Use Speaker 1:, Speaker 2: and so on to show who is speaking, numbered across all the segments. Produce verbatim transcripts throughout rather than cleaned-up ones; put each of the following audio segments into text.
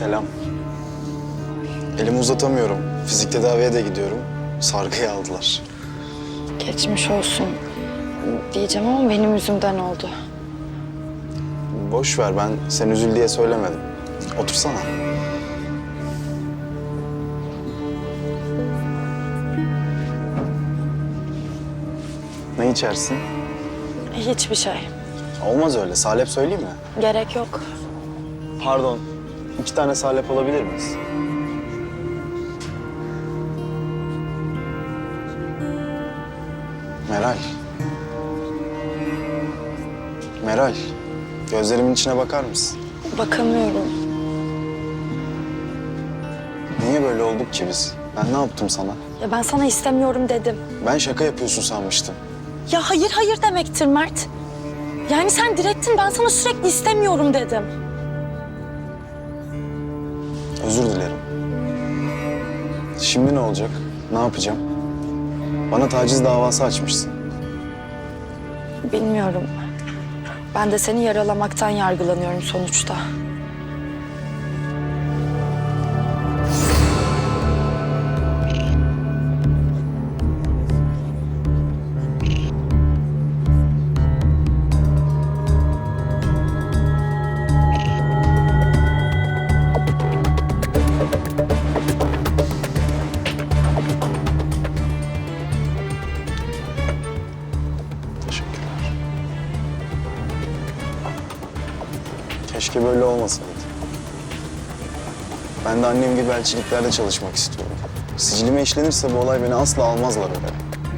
Speaker 1: Selam. Elimi uzatamıyorum. Fizik tedaviye de gidiyorum. Sargıyı aldılar.
Speaker 2: Geçmiş olsun diyeceğim ama benim yüzümden oldu.
Speaker 1: Boş ver, ben sen üzül diye söylemedim. Otursana. Ne içersin?
Speaker 2: Hiçbir şey.
Speaker 1: Olmaz öyle. Salep söyleyeyim mi?
Speaker 2: Gerek yok.
Speaker 1: Pardon. İki tane salep alabilir miyiz? Meral. Meral. Gözlerimin içine bakar mısın?
Speaker 2: Bakamıyorum.
Speaker 1: Niye böyle olduk ki biz? Ben ne yaptım sana?
Speaker 2: Ya ben sana istemiyorum dedim.
Speaker 1: Ben şaka yapıyorsun sanmıştım.
Speaker 2: Ya hayır hayır demektir Mert. Yani sen direttin, ben sana sürekli istemiyorum dedim.
Speaker 1: Özür dilerim. Şimdi ne olacak? Ne yapacağım? Bana taciz davası açmışsın.
Speaker 2: Bilmiyorum. Ben de seni yaralamaktan yargılanıyorum sonuçta.
Speaker 1: Teşekkürler. Keşke böyle olmasaydı. Ben de annem gibi elçiliklerde çalışmak istiyorum. Sicilime işlenirse bu olay beni asla almazlar oraya.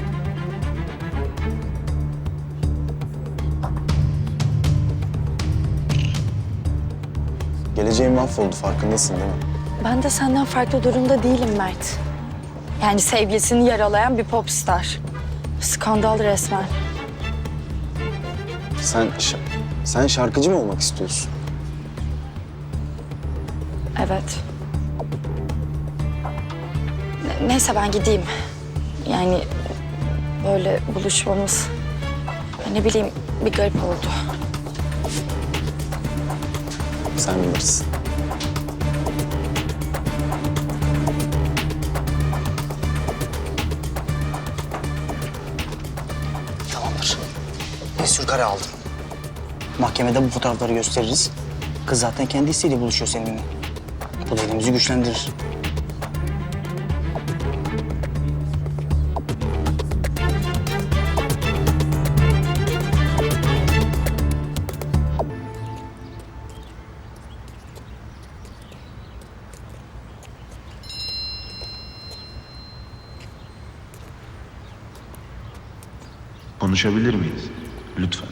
Speaker 1: Geleceğim mahvoldu, farkındasın değil mi?
Speaker 2: Ben de senden farklı durumda değilim Mert. Yani sevgilisini yaralayan bir popstar. Skandal resmen.
Speaker 1: Sen, ş- sen şarkıcı mı olmak istiyorsun?
Speaker 2: Evet. Ne- Neyse ben gideyim. Yani böyle buluşmamız ne bileyim bir garip oldu.
Speaker 1: Sen bilirsin.
Speaker 3: Tamamdır. Bir sürü kare aldım. Mahkemede bu fotoğrafları gösteririz. Kız zaten kendisiyle buluşuyor seninle. Bu da elimizi güçlendirir.
Speaker 4: Konuşabilir miyiz? Lütfen.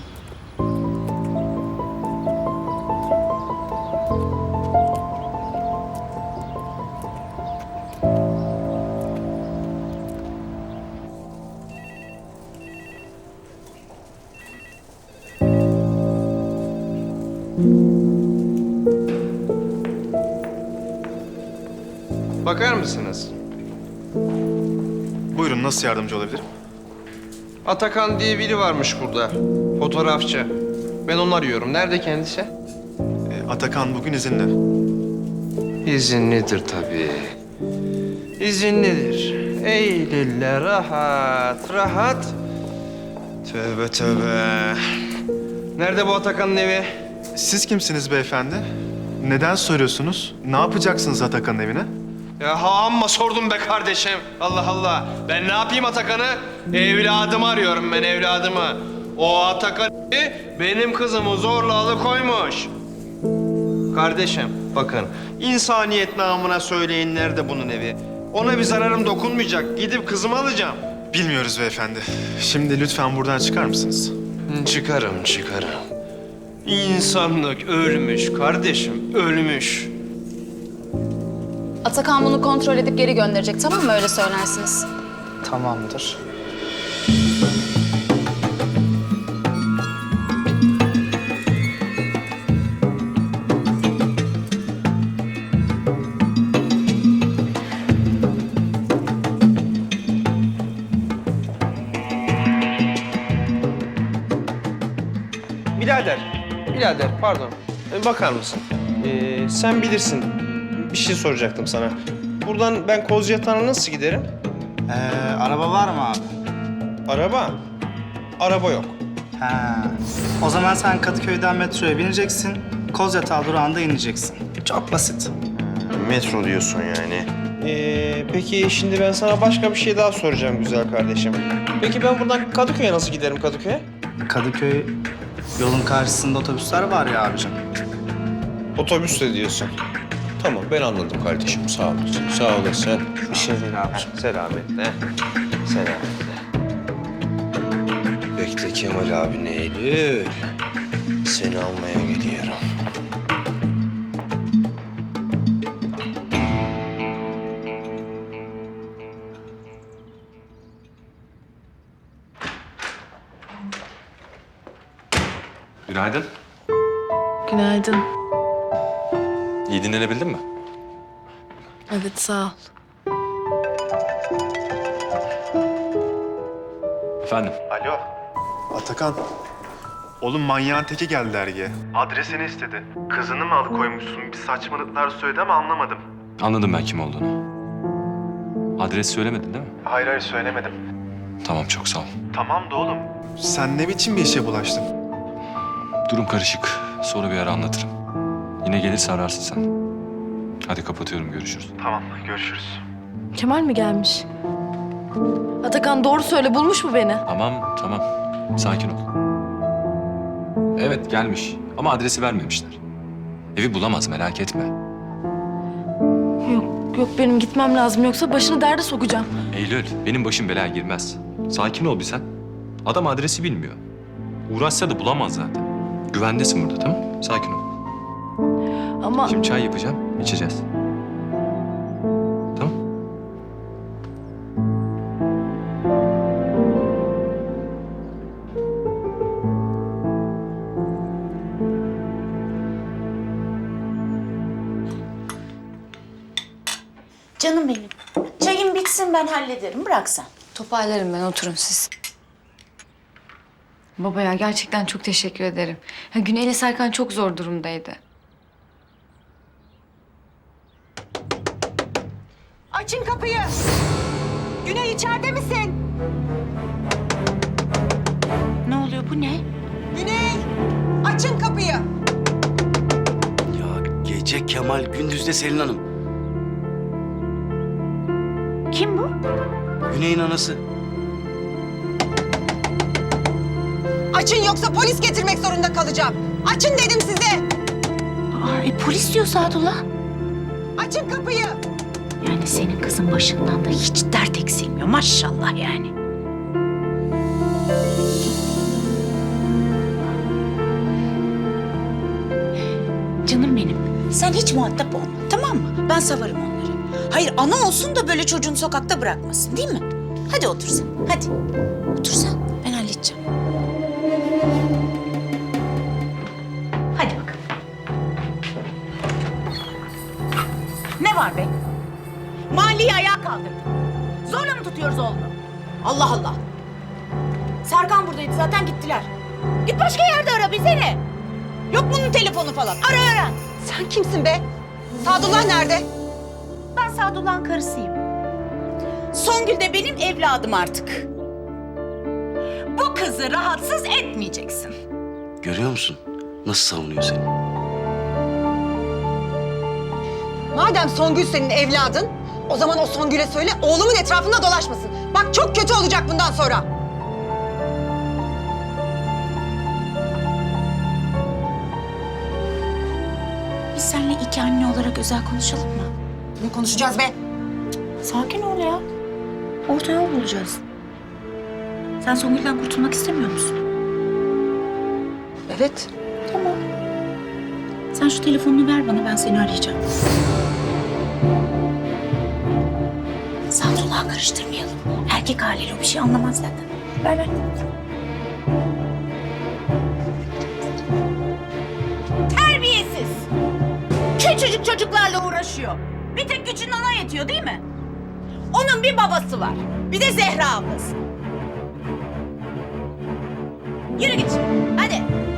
Speaker 5: Bakar mısınız?
Speaker 6: Buyurun, nasıl yardımcı olabilirim?
Speaker 5: Atakan diye biri varmış burada. Fotoğrafçı. Ben onu arıyorum. Nerede kendisi?
Speaker 6: Ee, Atakan bugün izinli.
Speaker 5: İzinlidir tabii. İzinlidir. Eylül'le rahat, rahat. Tövbe tövbe. Nerede bu Atakan'ın evi?
Speaker 6: Siz kimsiniz beyefendi? Neden soruyorsunuz? Ne yapacaksınız Atakan'ın evine?
Speaker 5: Ya ha amma sordum be kardeşim. Allah Allah. Ben ne yapayım Atakan'ı? Evladımı arıyorum ben evladımı. O Atakan benim kızımı zorla alıkoymuş. Kardeşim bakın insaniyet namına söyleyin nerede bunun evi? Ona bir zararım dokunmayacak. Gidip kızımı alacağım.
Speaker 6: Bilmiyoruz beyefendi. Şimdi lütfen buradan çıkar mısınız?
Speaker 5: Çıkarım çıkarım. İnsanlık ölmüş kardeşim ölmüş.
Speaker 7: Atakan bunu kontrol edip geri gönderecek, tamam mı? Öyle söylersiniz.
Speaker 3: Tamamdır.
Speaker 5: Birader, birader pardon. Ee, bakar mısın? Ee, sen bilirsin. bir şey soracaktım sana. Buradan ben Kozyatağı'na nasıl giderim?
Speaker 3: Ee, araba var mı abi?
Speaker 5: Araba? Araba yok.
Speaker 3: Ha. O zaman sen Kadıköy'den metroya bineceksin. Kozyatağı durağında ineceksin. Çok basit.
Speaker 5: Metro diyorsun yani. Ee, peki şimdi ben sana başka bir şey daha soracağım güzel kardeşim. Peki ben buradan Kadıköy'e nasıl giderim Kadıköy'e?
Speaker 3: Kadıköy yolun karşısında otobüsler var ya abicim.
Speaker 5: Otobüsle diyorsun. Tamam ben anladım kardeşim. Sağ olasın. Sağ olasın.
Speaker 3: Bir şey değil abicim.
Speaker 5: Selametle. Selametle. Bekle Kemal abi Eylül. Seni almaya gidiyorum.
Speaker 8: Günaydın.
Speaker 9: Günaydın.
Speaker 8: İyi dinlenebildin mi?
Speaker 9: Evet, sağ ol.
Speaker 8: Efendim?
Speaker 6: Alo. Atakan. Oğlum manyağın teki geldi dergiye. Adresini istedi. Kızını mı alıkoymuşsun? Bir saçmalıklar söyledi ama anlamadım.
Speaker 8: Anladım ben kim olduğunu. Adres söylemedin değil mi?
Speaker 6: Hayır hayır söylemedim.
Speaker 8: Tamam, çok sağ ol.
Speaker 6: Tamam da oğlum. Sen ne biçim bir işe bulaştın?
Speaker 8: Durum karışık. Sonra bir ara anlatırım. Yine gelirse ararsın sen. Hadi kapatıyorum, görüşürüz.
Speaker 6: Tamam görüşürüz.
Speaker 9: Kemal mi gelmiş? Atakan doğru söyle, bulmuş mu beni?
Speaker 8: Tamam, tamam. Sakin ol. Evet, gelmiş. Ama adresi vermemişler. Evi bulamaz, merak etme.
Speaker 9: Yok, yok benim gitmem lazım yoksa başını derde sokacağım.
Speaker 8: Eylül, benim başım belaya girmez. Sakin ol bir sen. Adam adresi bilmiyor. Uğraşsa da bulamaz zaten. Güvendesin burada, tamam mı? Sakin ol.
Speaker 9: Ama
Speaker 8: Şimdi çay yapacağım, içeceğiz. Tamam?
Speaker 10: Canım benim. Çayım bitsin ben hallederim. Bırak sen.
Speaker 7: Toparlarım ben, oturun siz. Baba ya gerçekten çok teşekkür ederim. Ya Güney ile Serkan çok zor durumdaydı.
Speaker 10: Açın kapıyı. Güney içeride misin? Ne oluyor bu ne? Güney! Açın kapıyı.
Speaker 11: Ya gece Kemal, gündüz de Selin Hanım.
Speaker 10: Kim bu?
Speaker 11: Güney'in anası.
Speaker 10: Açın yoksa polis getirmek zorunda kalacağım. Açın dedim size. Aa, e, polis diyor Sadullah. Açın kapıyı. Yani senin kızın başından da hiç dert eksilmiyor maşallah yani. Canım benim, sen hiç muhatap olma, tamam mı? Ben savarım onları. Hayır, ana olsun da böyle çocuğunu sokakta bırakmasın, değil mi? Hadi otur sen, hadi. Otur sen, ben halledeceğim. Hadi bakalım. Ne var be? Mahalleyi ayağa kaldırdı. Zorla mı tutuyoruz oğlunu? Allah Allah. Serkan buradaydı, zaten gittiler. Git başka yerde ara, bize ne? Yok bunun telefonu falan. Ara ara. Sen kimsin be? Sadullah nerede? Ben Sadullah'ın karısıyım. Songül de benim evladım artık. Bu kızı rahatsız etmeyeceksin.
Speaker 11: Görüyor musun? Nasıl savunuyor seni?
Speaker 10: Madem Songül senin evladın, o zaman o Songül'e söyle oğlumun etrafında dolaşmasın. Bak çok kötü olacak bundan sonra. Biz seninle iki anne olarak özel konuşalım mı? Ne konuşacağız be? Sakin ol ya. Orta yol bulacağız. Sen Songül'den kurtulmak istemiyor musun? Evet. Tamam. Sen şu telefonunu ver bana, ben seni arayacağım. Sadullah'ı karıştırmayalım. Erkek haliyle o bir şey anlamaz zaten. Ver ver. Terbiyesiz. Küçücük çocuklarla uğraşıyor. Bir tek gücün ona yetiyor değil mi? Onun bir babası var. Bir de Zehra ablası. Yürü git. Hadi.